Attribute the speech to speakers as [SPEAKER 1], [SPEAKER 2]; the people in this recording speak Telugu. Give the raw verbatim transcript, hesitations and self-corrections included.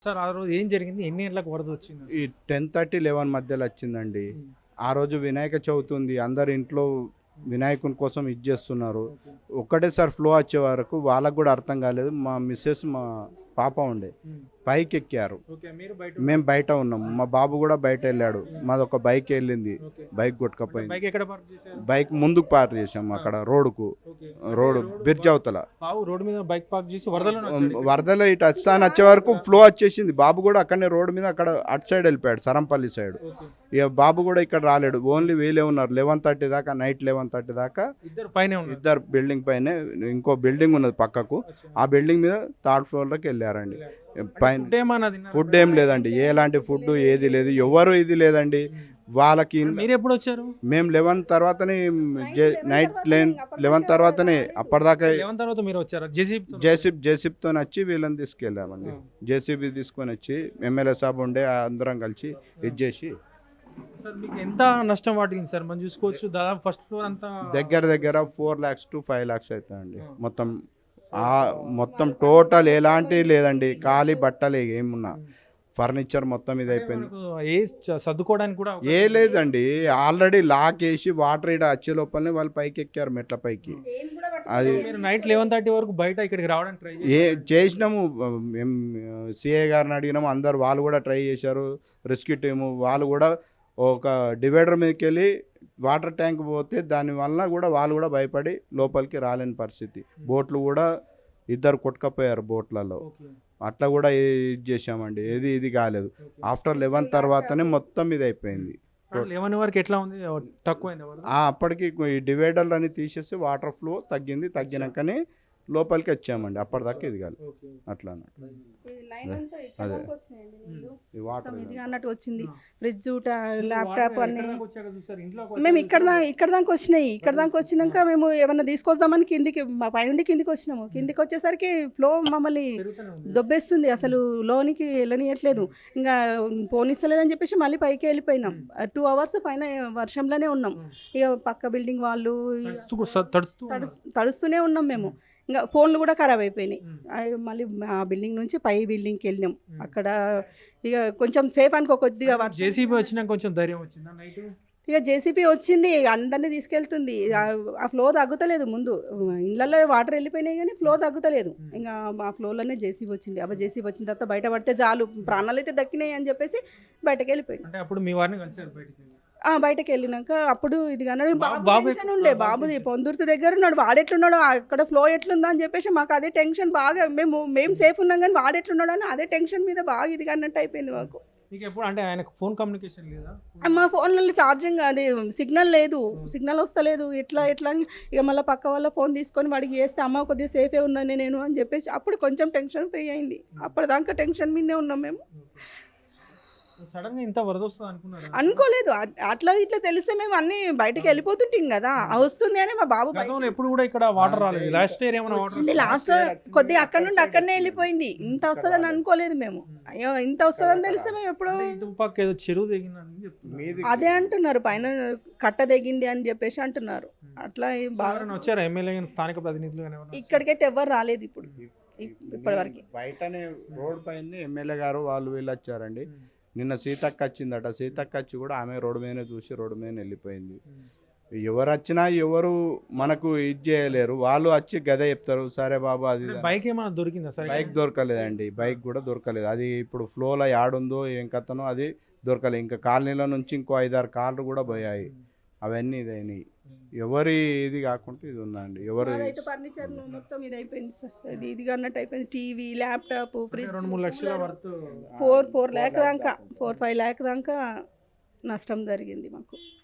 [SPEAKER 1] సార్ ఆ రోజు ఏం జరిగింది? ఎన్ని గంటలకు వరద వచ్చింది?
[SPEAKER 2] ఈ టెన్ థర్టీ లెవెన్ మధ్యలో వచ్చిందండి.
[SPEAKER 1] హ్మ్.
[SPEAKER 2] ఆ రోజు వినాయక చవితి ఉంది. అందరు ఇంట్లో వినాయకుని కోసం ఇది చేస్తున్నారు.
[SPEAKER 1] ఓకే.
[SPEAKER 2] ఒక్కటేసారి ఫ్లో వచ్చే వరకు వాళ్ళకు కూడా అర్థం కాలేదు. మా మిస్సెస్, మా పాప ఉండే
[SPEAKER 1] హ్మ్.
[SPEAKER 2] పైకి ఎక్కారు.
[SPEAKER 1] ఓకే. మీరు బయట
[SPEAKER 2] మేము బయట ఉన్నాం. మా బాబు కూడా బయట వెళ్ళాడు. మాది ఒక బైక్ వెళ్ళింది.
[SPEAKER 1] ఓకే.
[SPEAKER 2] బైక్
[SPEAKER 1] అంటే
[SPEAKER 2] కొట్టుకపోయింది.
[SPEAKER 1] బైక్ ఎక్కడ పార్క్ చేశారు?
[SPEAKER 2] బైక్ ముందుకు పార్క్ చేసాం అక్కడ రోడ్డుకు.
[SPEAKER 1] ఓకే.
[SPEAKER 2] రోడ్
[SPEAKER 1] అంటే
[SPEAKER 2] బ్రిడ్జ్
[SPEAKER 1] బా-
[SPEAKER 2] అవతల.
[SPEAKER 1] బావు రోడ్డు మీద బైక్ పార్క్ చేసి వరదలోనే వచ్చాడు ఇక్కడికి.
[SPEAKER 2] వరదలో ఇటు వస్తాను వచ్చే వరకు ఫ్లో వచ్చేసింది. బాబు కూడా అక్కడనే రోడ్డు మీద అక్కడ అటు సైడ్ వెళ్ళిపోయాడు, సరంపల్లి సైడ్.
[SPEAKER 1] ఓకే.
[SPEAKER 2] ఇక బాబు కూడా ఇక్కడ రాలేడు. ఓన్లీ వీలే ఉన్నారు లెవెన్ థర్టీ దాకా, నైట్ లెవెన్ థర్టీ దాకా.
[SPEAKER 1] ఇద్దరు పైనే ఉన్నారు.
[SPEAKER 2] ఇద్దరు బిల్డింగ్ పైన, ఇంకో బిల్డింగ్ ఉన్నది పక్కకు.
[SPEAKER 1] అచ్చా.
[SPEAKER 2] ఆ బిల్డింగ్ మీద థర్డ్ ఫ్లోర్లోకి వెళ్ళారండి. పైన
[SPEAKER 1] ఫుడ్ ఏమన్నా తిన్నారా?
[SPEAKER 2] ఫుడ్ ఏం లేదండి, ఎలాంటి ఫుడ్ ఏది లేదు, ఎవరు ఇది లేదండి వాళ్ళకి.
[SPEAKER 1] మీరు ఎప్పుడు వచ్చారు?
[SPEAKER 2] మేము లెవెన్ తర్వాతనే నైట్ లెవెన్ తర్వాతనే అప్పటిదాకా
[SPEAKER 1] లెవెన్ తర్వాత మీరు వచ్చారా? జేసీబీ
[SPEAKER 2] జేసీబ్ జేసీబ్తో వచ్చి వీళ్ళని తీసుకెళ్ళామండి. జేసీబీ తీసుకొని వచ్చి ఎమ్మెల్యే సాబ్ ఉండే అందరం కలిసి ఇది చేసి
[SPEAKER 1] సార్ మీకు ఎంత నష్టం వాటిల్లింది సార్? మనం చూసుకోవచ్చు దాదాపు ఫస్ట్ ఫ్లోర్ అంతా
[SPEAKER 2] దగ్గర దగ్గర four lakhs to five lakhs అవుతాయండి మొత్తం. ఆ మొత్తం టోటల్ ఎలాంటి లేదండి, ఖాళీ బట్టలే ఏమున్నా, ఫర్నిచర్ మొత్తం ఇది అయిపోయింది.
[SPEAKER 1] మనకు ఏ చ- సర్దుకోవడానికి కూడా
[SPEAKER 2] ఏ లేదండి, ఆల్రెడీ లాక్ వేసి వాటర్ ఇడ వచ్చే లోపలనే వాళ్ళు పైకి ఎక్కారు మెట్ల పైకి. అది
[SPEAKER 1] మీరు నైట్ లెవెన్ థర్టీ వరకు బయట ఇక్కడికి రావడానికి ట్రై
[SPEAKER 2] ఏ చేసినాము, మేము సిఏ గారిని అడిగినాము, అందరు వాళ్ళు కూడా ట్రై చేశారు. రెస్క్యూ టీము వాళ్ళు కూడా ఒక డివైడర్ మీదకి వెళ్ళి వాటర్ ట్యాంక్ పోతే దానివల్ల కూడా వాళ్ళు కూడా భయపడి లోపలికి రాలేని పరిస్థితి. బోట్లు కూడా ఇద్దరు కొట్టుకపోయారు బోట్లలో.
[SPEAKER 1] ఓకే.
[SPEAKER 2] అట్లా కూడా ఇది చేసామండి, ఏది ఇది కాలేదు. ఆఫ్టర్ లెవెన్ తర్వాతనే మొత్తం ఇది అయిపోయింది.
[SPEAKER 1] లెవెన్ వరకు ఎట్లా ఉంది? తక్కువైంది వరద?
[SPEAKER 2] ఆ అప్పటికి ఈ డివైడర్లు అని తీసేసి వాటర్ ఫ్లో తగ్గింది. తగ్గినాకనే లోపలికి వచ్చామండి. అప్పటిదాకా ఇది కాదు
[SPEAKER 1] ఓకే.
[SPEAKER 2] అట్లా అన్నట్టు.
[SPEAKER 3] అదే
[SPEAKER 2] ఈ వాటర్
[SPEAKER 3] ఇదిగా అన్నట్టు వచ్చింది. ఫ్రిడ్జ్
[SPEAKER 1] మీరు
[SPEAKER 3] ల్యాప్టాప్
[SPEAKER 1] వాటర్
[SPEAKER 3] అన్ని
[SPEAKER 1] ఎక్కడ దాకా వచ్చాక చూసారు? ఇంట్లోకి
[SPEAKER 3] మేము
[SPEAKER 1] వచ్చాక
[SPEAKER 3] ఇక్కడ దా- ఇక్కడ దాకా వచ్చినాయి. ఇక్కడ దాకా వచ్చినాక మేము ఏమన్నా తీసుకొద్దామని కిందికి మా పైనుండి కిందికి వచ్చినాము. కిందికి వచ్చేసరికి ఫ్లో మమ్మల్ని
[SPEAKER 1] పెరుగుతూనే ఉంది.
[SPEAKER 3] దొబ్బేస్తుంది, అసలు లోనికి వెళ్ళనియట్లేదు. ఇంకా పోనిస్తలేదని చెప్పేసి మళ్ళీ పైకి వెళ్ళిపోయినాం. టూ అవర్స్ పైన వర్షంలోనే ఉన్నాం. ఇక పక్క బిల్డింగ్ వాళ్ళు
[SPEAKER 1] తడుస్తూ స- తడుస్తూ ఉన్నారు.
[SPEAKER 3] తడుస్- తడుస్తూనే ఉన్నాం మేము. ఇంకా ఫోన్లు కూడా ఖరాబ్ అయిపోయినాయి.
[SPEAKER 1] ఉమ్.
[SPEAKER 3] అవి మళ్ళీ ఆ బిల్డింగ్ నుంచి పై బిల్డింగ్కి వెళ్ళినాం. అక్కడ ఇక కొంచెం సేఫ్ అనుకో, కొద్దిగా వర్షం.
[SPEAKER 1] జేసీబీ వచ్చినాక కొంచెం ధైర్యం వచ్చిందా నైట్?
[SPEAKER 3] ఇక జేసీబీ వచ్చింది, అందరినీ తీసుకెళ్తుంది. ఆ- ఆ ఫ్లో తగ్గుతలేదు. ముందు ఇళ్ళల్లో వాటర్ వెళ్ళిపోయినాయి కానీ ఫ్లో తగ్గుతలేదు. ఇంకా ఆ ఫ్లోలోనే జేసీబీ వచ్చింది. అబ్బా జేసీబీ వచ్చిన తర్వాత బయట పడితే చాలు, ప్రాణాలు అయితే దక్కినాయి అని చెప్పేసి బయటకు వెళ్ళిపోయింది.
[SPEAKER 1] అంటే అప్పుడు మీ వారిని కలిసారు బయటికి?
[SPEAKER 3] ఆ బయటకు వెళ్ళినాక అప్పుడు ఇది అన్నాడు,
[SPEAKER 1] బాబు-
[SPEAKER 3] బాబు
[SPEAKER 1] బాబు
[SPEAKER 3] టెన్షన్
[SPEAKER 1] ఎక్కడ-
[SPEAKER 3] ఉండే,
[SPEAKER 1] బాబు
[SPEAKER 3] బాబుది
[SPEAKER 1] టెన్షన్.
[SPEAKER 3] పొందుర్తి దగ్గర ఉన్నాడు, వాడెట్లున్నాడు, అక్కడ ఫ్లో ఎట్లుందా అని చెప్పేసి మాకు అదే టెన్షన్ బాగా. మేము మేము సేఫ్ ఉన్నాం కానీ వాడెట్లున్నాడు అని అదే టెన్షన్ మీద బాగా ఇది అన్నట్టు అయిపోయింది మాకు.
[SPEAKER 1] మీకు ఎప్పుడు అంటే ఆయనకు ఫోన్ కమ్యూనికేషన్ లేదా?
[SPEAKER 3] మా ఫోన్లలో ఛార్జింగ్ అది సిగ్నల్ లేదు, సిగ్నల్ వస్తలేదు. ఎట్లా ఎట్లా అని ఇక మళ్ళీ పక్క వాళ్ళ ఫోన్ తీసుకొని వాడికి చేస్తే అమ్మ కొద్దిగా సేఫే ఉన్నాను నేను అని చెప్పేసి అప్పుడు కొంచెం టెన్షన్ ఫ్రీ అయింది. అప్పటిదాకా టెన్షన్ మీదే ఉన్నాం మేము.
[SPEAKER 1] సడన్ గా ఇంత వరద వస్తుంది అనుకున్నారు?
[SPEAKER 3] అనుకోలేదు. అ- అట్లా ఇట్లా తెలిస్తే మేము అన్ని బయటకు వెళ్ళిపోతుంటాం కదా. ఆ వస్తుంది అని మా బాబు బయట
[SPEAKER 1] గతంలో ఎప్పుడు కూడా ఇక్కడ వాటర్ రాలేదు. లాస్ట్ ఇయర్ ఏమైనా వాటర్
[SPEAKER 3] వచ్చింది. లాస్ట్ కొద్దిగా అక్కడ నుండి అక్కడనే వెళ్ళిపోయింది. ఇంత వస్తుందని అనుకోలేదు మేము. అయ్యో ఇంత వస్తుందని తెలిస్తే మేము ఎప్పుడు
[SPEAKER 1] ఇటు పక్క ఏదో చెరువు తెగిందని చెప్తున్నారు.
[SPEAKER 2] మీది
[SPEAKER 3] అదే అంటున్నారు, పైన కట్ట తెగింది అని చెప్పేసి అంటున్నారు. అట్లా ఈ బాగా
[SPEAKER 1] ఎవరైనా వచ్చారా? ఎమ్మెల్యే కానీ స్థానిక ప్రతినిధులు కానీ ఎవరైనా?
[SPEAKER 3] ఇక్కడికైతే ఎవరు రాలేదు ఇప్పుడు ఇప్పటి వరకు.
[SPEAKER 2] బయటనే రోడ్ పైన ఎమ్మెల్యే గారు వాళ్ళు వీళ్ళు వచ్చారండి. నిన్న సీతక్క వచ్చిందట. సీతక్క వచ్చి కూడా ఆమె రోడ్డు మీదనే చూసి రోడ్డు మీద వెళ్ళిపోయింది. ఎవరు వచ్చినా ఎవరు మనకు ఇది చేయలేరు. వాళ్ళు వచ్చి గదే చెప్తారు, సరే బాబు అది ఇది అని.
[SPEAKER 1] బైక్ ఏమైనా దొరికిందా సరే?
[SPEAKER 2] బైక్ దొరకలేదండి, బైక్ కూడా దొరకలేదు. అది ఇప్పుడు ఫ్లోలో యాడుందో ఏం కథనో అది దొరకలేదు. ఇంకా కాలనీల నుంచి ఇంకో ఐదారు కార్లు కూడా పోయాయి. అవన్నీ ఇదైనాయి. ఎవరి ఇది కాకుండా ఇది ఉందండి. ఎవరు
[SPEAKER 3] మాదైతే ఫర్నిచర్ మొత్తం ఇది అయిపోయింది సార్. అది ఇదిగా అన్నట్టు అయిపోయింది. టీవీ, ల్యాప్టాప్, ఫ్రిడ్జ్,
[SPEAKER 1] రెండు మూడు లక్షల వరకు
[SPEAKER 3] ఫోర్ ఫోర్ ల్యాక్ దాకా ఫోర్ ఫైవ్ ల్యాక్ దాకా నష్టం జరిగింది మాకు.